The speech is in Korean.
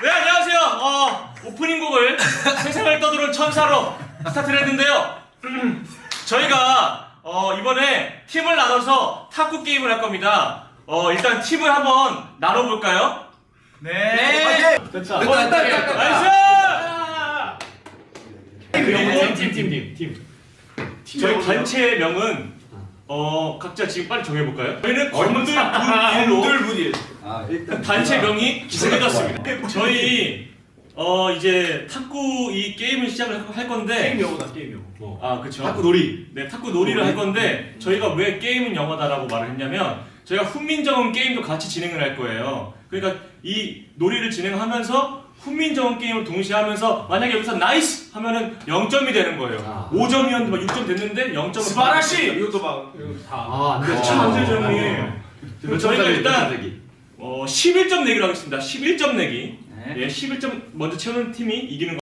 네, 안녕하세요. 오프닝 곡을 세상을 떠도는 천사로 스타트를 했는데요. 저희가 이번에 팀을 나눠서 탁구 게임을 할 겁니다. 일단 팀을 한번 나눠볼까요? 네. 됐다. 됐다. 나이스! 팀. 저희 단체의 명은 각자 지금 빨리 정해볼까요? 저희는 건들분일로 일단 단체 명이 정해졌습니다. 저희 이제 탁구 이 게임을 시작을 할 건데 게임 영어다 게임 영어. 아 그쵸. 탁구 놀이. 네, 탁구 놀이를 할 건데 저희가 왜 게임은 영어다라고 말을 했냐면 저희가 훈민정음 게임도 같이 진행을 할 거예요. 그러니까 이 놀이를 진행하면서 훈민정음 게임을 동시에 하면서 만약에 여기서 나이스 하면은 0점이 되는 거예요. 5점이었는데 막 6점 됐는데 0점. 스바라시. 이것도 막 다. 그렇죠. 안되죠 형님. 저희가 일단 11점 내기로 하겠습니다. 11점 내기. 예, 11점 먼저 채우는 팀이 이기는 거.